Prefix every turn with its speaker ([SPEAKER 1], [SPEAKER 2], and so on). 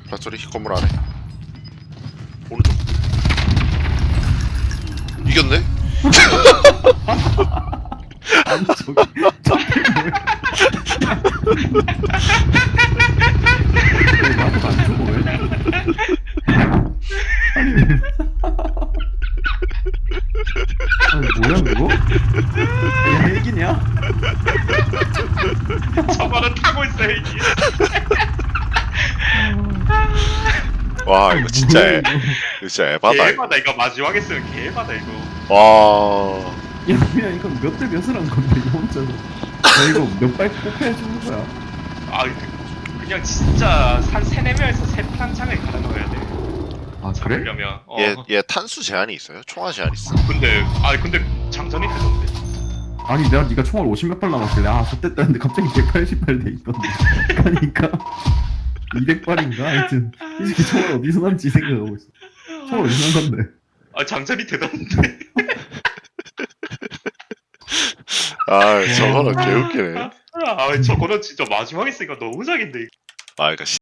[SPEAKER 1] 발소리 건물 안에. 오른쪽. 이겼네?
[SPEAKER 2] 아니 저기 뭐야? 왜 나도 안 죽어 왜? 아니 뭐야 그거? 이게 헬기냐?
[SPEAKER 3] 저거는 타고 있어 헬기.
[SPEAKER 1] 와 이거 진짜
[SPEAKER 2] 뭐야,
[SPEAKER 1] 애,
[SPEAKER 2] 이거?
[SPEAKER 1] 이거 진짜 에바다. 이거.
[SPEAKER 3] 개바다 이거 마지막에 쓰면 개바다 이거.
[SPEAKER 1] 와.
[SPEAKER 2] 야 그냥 이거 몇 대 몇을 한 건데 이거 혼자서. 야 이거 몇 발 뽑혀 주는 거야?
[SPEAKER 3] 아 그냥 진짜 한 3-4명에서 3탄창을 갈아 넣어야 돼.
[SPEAKER 2] 아 그래?
[SPEAKER 3] 그러면
[SPEAKER 1] 얘 탄수 제한이 있어요? 총알 제한 있어?
[SPEAKER 3] 근데 장전이 되던데.
[SPEAKER 2] 아니 내가 네가 총알 50몇 발 남았길래 아 좋댔다 했는데 갑자기 180발 돼 있던데. 그러니까 200발인가 하여튼 이 새끼 총알 어디서 남지 생각하고 있어. 총알 어디서 난 건데?
[SPEAKER 3] 아 장전이 되던데.
[SPEAKER 1] 아 저거는 개웃기네.
[SPEAKER 3] 아 저거는 진짜 마지막에 쓰니까 너무 작인데.
[SPEAKER 1] 아 그니까